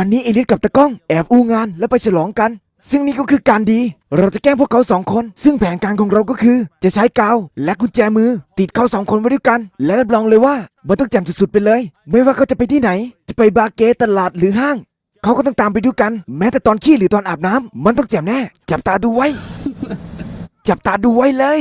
วันนี้เอเลียสกับตะก้องแอบอู้งานแล้วไปฉลองกันซึ่งนี่ก็คือการดีเราจะแกล้งพวกเขา2 คนซึ่งแผนการของเราก็คือจะใช้กาวและกุญแจมือติดเขา2 คนไว้ด้วยกันและรับรองเลยว่ามันต้องแจ่มสุดๆไปเลยไม่ว่าเขาจะไปที่ไหนจะไปบาร์เกตตลาดหรือห้างเขาก็ต้องตามไปด้วยกันแม้แต่ตอนขี้หรือตอนอาบน้ำมันต้องแจ่มแน่จับตาดูไว้ จับตาดูไว้เลย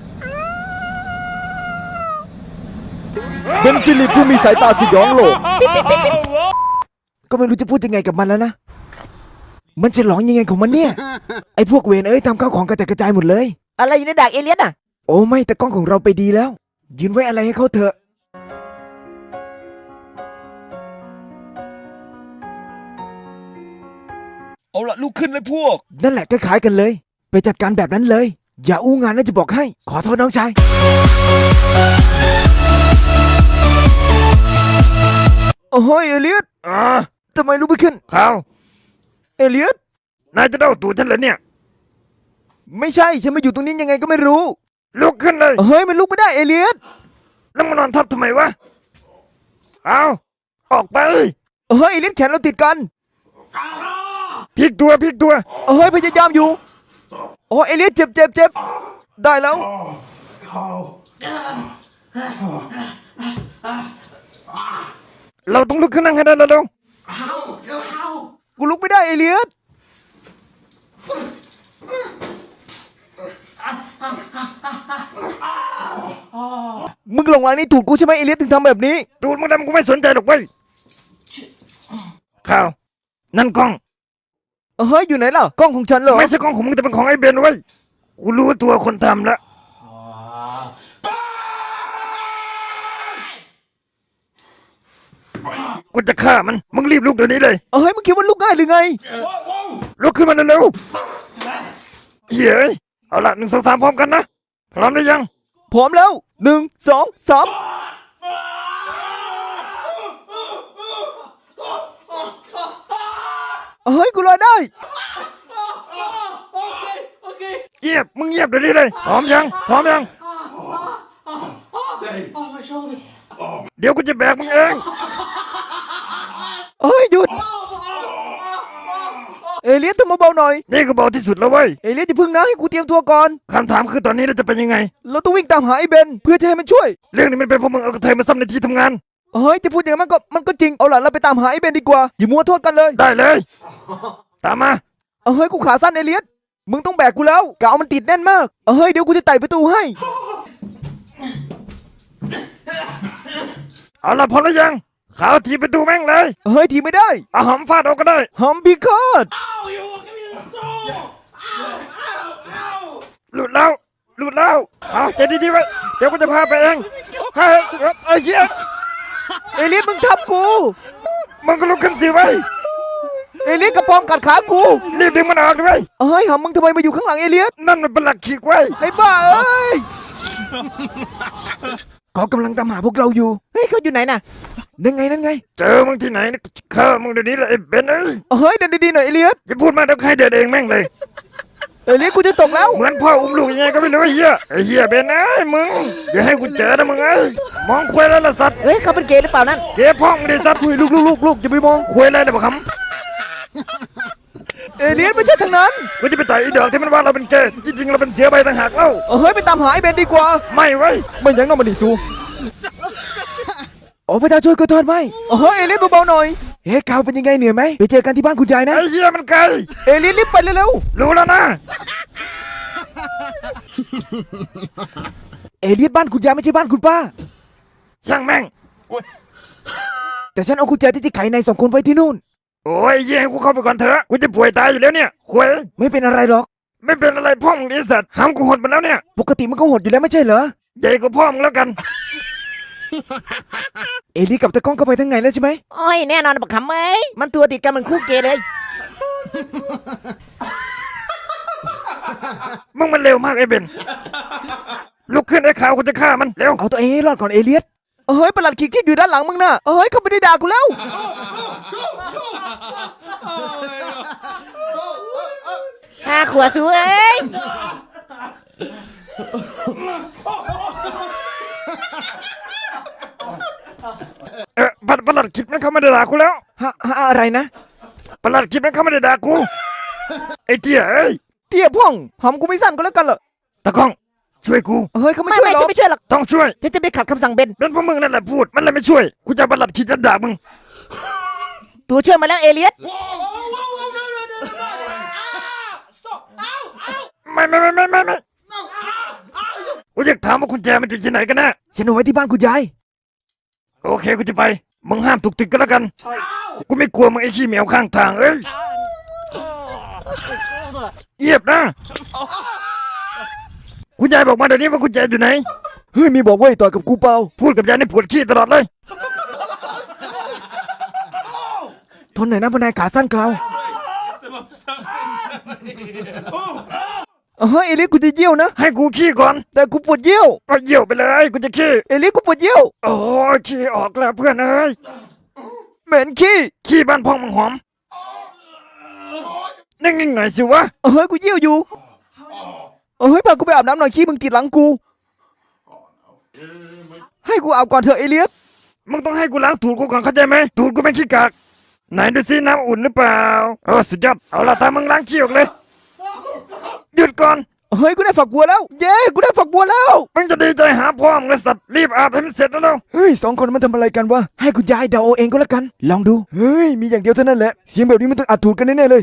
เป็นฟิลิปผู้มีสายตาสยองโลกก็ไม่รู้จะพูดยังไงกับมันแล้วนะมันจะหลอนยังไงของมันเนี่ยไอ้พวกเวรเอ้ยทำข้าวของกระจายกระจายหมดเลยอะไรอยู่ในดักเอเลียสอ่ะโอ้ไม่แต่กล้องของเราไปดีแล้วยืนไว้อะไรให้เขาเถอะเอาละลุกขึ้นเลยพวกนั่นแหละก็ขายกันเลยไปจัดการแบบนั้นเลยอย่าอู้งานนะจะบอกให้ขอโทษน้องชายโอ้ยเอเลียสทำไมลุกไม่ขึ้นข่าวเอเลียสนายจะเด้าตูดฉันเหรอเนี่ยไม่ใช่ฉันมาอยู่ตรงนี้ยังไงก็ไม่รู้ลุกขึ้นเลยเฮ้ยมันลุกไม่ได้เอเลียสแล้วมานอนทับทำไมวะเอาออกไปเฮ้ยเอเลียสแขนเราติดกันพลิกตัวเฮ้ยพยายามอยู่โอ้เอเลียสเจ็บได้แล้วเราต้องลุกขึ้นนั่งให้ได้แล้วกูลุกไม่ได้เอเลียสมึงหลงรักนี่ถูกกูใช่ไหมเอเลียสถึงทำแบบนี้ตูดมึงดำกูไม่สนใจหรอกเว้ยข่าวนั่นกล้องเฮ้ยอยู่ไหนล่ะกล้องของฉันเหรอไม่ใช่กล้องของมึงแต่เป็นของไอ้เบนเว้ยกูรู้ตัวคนทำแล้วกูจะฆ่ามันมึงรีบลุกเดี๋ยวนี้เลยเฮ้ยมึงคิดว่าลุกง่ายหรือไงลุกขึ้นมาเร็วๆเฮ้ยเอาละ1 2 3พร้อมกันนะพร้อมหรือยังพร้อมแล้ว1 2 3เฮ้ยกูรอได้เงียบมึงเงียบเดี๋ยวนี้เลยพร้อมยังเดี๋ยวกูจะแบกมึงเองเฮ้ยหยุดเอเลียสทำมาเบาหน่อยนี่ก็เบาที่สุดแล้วเว้ยเอเลียสอย่าพึ่งนะให้กูเตรียมตัวก่อนคำถามคือตอนนี้เราจะเป็นยังไงเราต้องวิ่งตามหาไอ้เบนเพื่อจะให้มันช่วยเรื่องนี้มันเป็นเพราะมึงเอากระเทยมาซ้ำในที่ทำงานเฮ้ยจะพูดอย่างนั้นมันก็จริงเอาล่ะเราไปตามหาไอ้เบนดีกว่าอย่ามัวโทษกันเลยได้เลยตามมาเฮ้ยกูขาสั้นเอเลียสมึงต้องแบกกูแล้วกาวมันติดแน่นมากเฮ้ยเดี๋ยวกูจะไต่ประตูให้เอาล่ะพร้อมหรือยังขาวทีประตูแม่งเลยเฮ้ยทีไม่ได้เอาหอมฟาดเอาก็ได้หอมพิฆาตหลุดแล้วเอาใจดีๆไว้เดี๋ยวกูจะพาไปเองเฮ้ยไอ้เหี้ยเอเลียสมึงทับกูมึงก็ลุกขึ้นสิไว้เอเลียสกระปองกัดขากูรีบดึงมันออกด้วยเฮ้ยหำมึงทำไมมาอยู่ข้างหลังเอเลียสนั่นมันเป็นหลักขีดไว้ไอ้บ้าเอ้ยเขากำลังตามหาพวกเราอยู่เฮ้ยเขาอยู่ไหนน่ะนั่นไงเจอมึงที่ไหนฆ่ามึงเดี๋ยวนี้เลยไอ้เบนเอ้ยเฮ้ยเดินดีๆหน่อยเอเลียสอย่าพูดมากเดี๋ยวใครเดินเองแม่งเลยเอเลียสกูจะตกแล้วเหมือนพ่ออุ้มลูกยังไงก็ไม่รู้ไอ้เหี้ยเบนเอ้ยมึงอย่าให้กูเจอนะมึงเอ้ยมองคุยแล้วล่ะสัตว์เฮ้ยเขาเป็นเกย์หรือเปล่านั่นเกย์พ่องดิสัตว์ลูกอย่าไปมองคุยอะไรนะบ่คำเอเลียสไม่ใช่ทางนั้นกูจะไปต่อยอีดอกที่มันว่าเราเป็นเกย์จริงๆเราเป็นเสือใบต่างหากเล่าเฮ้ยไปตามหาไอ้เบนดีกว่าไม่ไว้ไม่ยังน้องมันดิซูโอ้พระเจ้าช่วยกูทอดไหมเฮ้ยเอเลียสเบาๆหน่อยเฮ้ยข่าวเป็นยังไงเหนื่อยไหมไปเจอกันที่บ้านคุณยายนะไอ้เหี้ยมันไกลเอเลียสรีบไปเร็วรู้แล้วนะเอเลียสบ้านคุณยายไม่ใช่บ้านคุณป้าช่างแม่งแต่ฉันเอากุญแจที่ไขใน2 คนไว้ที่นู่นโอ้ยเยี่ยกูเข้าไปก่อนเถอะกูจะป่วยตายอยู่แล้วเนี่ยคุยไม่เป็นอะไรหรอกไม่เป็นอะไรพ่อมึงดิสัตว์ห้ามกูหดมาแล้วเนี่ยปกติมันก็หดอยู่แล้วไม่ใช่เหรอใหญ่กว่าพ่อมึงแล้วกันเอลี่กับตะก้องก็ไปทั้งไงแล้วใช่ไหมโอ้ยแน่นอนบักขำเอ้ยมันตัวติดกันเหมือนคู่เกย์เลยมึงมันเร็วมากไอ้เบนลุกขึ้นไอ้ขาวกูจะฆ่ามันเร็วเอาตัวเองให้รอดก่อนเอเลียสเฮ้ยประหลัดขีดอยู่ด้านหลังมึงน่ะเฮ้ยเขาไม่ได้ด่ากูแล้วขวดสูเอ้ยประหลัดขิดมันเข้ามาด่ากูแล้วอะไรนะประหลัดคิดมันเข้ามาได้ด่ากูไอ้เตี้ยเอ้ยเตี้ยพ่องหอมกูไม่สั้นก็แล้วกันเหรอตะก้องช่วยกูเฮ้ยเขาไม่ไม่ช่วยไม่หรอฉันไม่ช่วยหรอกต้องช่วยฉันจะไปขัดคำสั่งเบนเป็นพวกมึงนั่นแหละพูดมันเลยไม่ช่วยกูจะประหลัดคิดจะด่ามึงตัวช่วยมาแล้วเอเลียสไม่กูอยากถามว่ากุญแจมันอยู่ที่ไหนกันแน่ฉันเอาไว้ที่บ้านคุณยายโอเคกูจะไปมึงห้ามถูกติดกันแล้วกันกูไม่กลัวมึงไอ้ขี้เหมียวข้างทางเอ้ยเงียบนะคุณยายบอกมาเดี๋ยวนี้ว่ากุญแจอยู่ไหนเฮ้ยมีบอกว่าให้ต่อยกับกูเปล่าพูดกับยายนี่ปวดขี้ตลอดเลยทนหน่อยนะพนายขาสั้นเกลาเฮ้ยเอเลียสกูจะเยี่ยวนะให้กูขี้ก่อนแต่กูปวดเยี่ยวก็เยี่ยวไปเลยกูจะขี้เอเลียสกูปวดเยี่ยวโอ้ยขี้ออกแล้วเพื่อนเอ้ยเหม็นขี้ขี้บ้านพ่องมังหอมนิ่งๆหน่อยสิวะเฮ้ยกูเยี่ยวอยู่เฮ้ยพากูไปอาบน้ำหน่อยขี้มึงติดหลังกู ให้กูอาบก่อนเถอะเอเลียสมึงต้องให้กูล้างตูดกูก่อนเข้าใจไหมตูดกูเป็นขี้กากไหนดูซิน้ำอุ่นหรือเปล่าสุดยอดเอาละตามมึงล้างขี้ออกเลยหยุดก่อนเฮ้ยกูได้ฝักบัวแล้ว เย้กูได้ฝักบัวแล้วมึงจะดีใจหาพ่อมึงเลยสัตว์รีบอาบให้มันเสร็จแล้วเร็วเฮ้ยสองคนมันทำอะไรกันวะ ให้คุณยายเดาเอาเองก็แล้วกัน ลองดู เฮ้ยมีอย่างเดียวเท่านั้นแหละ เสียงแบบนี้มันต้องอัดถูกกันแน่ๆเลย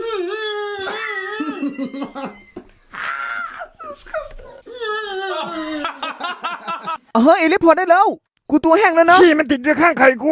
เฮ้ยเอเลียสพอได้แล้ว กูตัวแห้งแล้วนะขี้มันติดอยู่ข้างไข่กู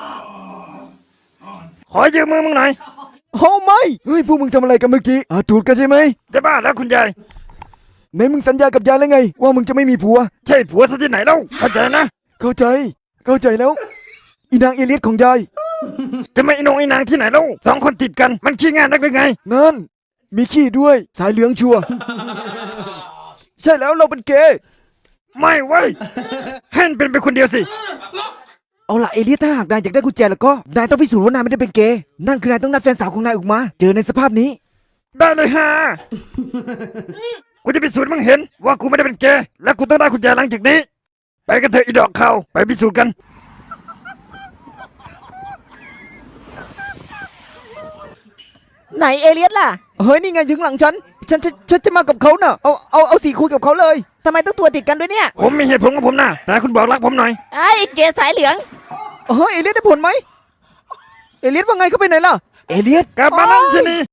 ขอยืมมือมึงหน่อยโอ้ไม่ เฮ้ยพวกมึงทำอะไรกันเมื่อกี้อัดถูกกันใช่ไหมจะบ้าแล้วคุณยายไหนมึงสัญญากับยายแล้วไง ว่ามึงจะไม่มีผัวใช่ผัวซะที่ไหนเล่าเข้าใจนะเข้าใจ เข้าใจแล้ว อีนางเอเลียสของยายจะไม่ไอ้นงไอ้นางที่ไหนเล่าสองคนติดกันมันขี้งานนักหรือไงนั่น มีขี้ด้วย สายเหลืองชัวร์ ใช่แล้วเราเป็นเกย์ไม่เว้ยให้มันเป็นไปคนเดียวสิเอาล่ะเอเลียสถ้าหากนายอยากได้กุญแจแล้วก็ นายต้องพิสูจน์ว่านายไม่ได้เป็นเกย์ นั่นคือนายต้องนัดแฟนสาวของนายออกมา เจอในสภาพนี้ได้เลยฮะกูจะพิสูจน์ให้มึงเห็นว่ากูไม่ได้เป็นเกย์และกูต้องได้กุญแจหลังจากนี้ ไปกันเถอะอีดอกเขาไปพิสูจน์กันไหนเอเลียสล่ะเฮ้ยนี่ไงถึงหลังฉันจะมากับเขาน่ะ เอาสีคุยกับเขาเลยทำไมต้องตัวติดกันด้วยเนี่ยผมมีเหตุผลของผมนะแต่คุณบอกรักผมหน่อยไอ้เกย์สายเหลืองเฮ้ยเอเลียสได้ผลไหม เอเลียสว่าไงเขาไปไหนล่ะ เอเลียสกลับมานั่นสินี่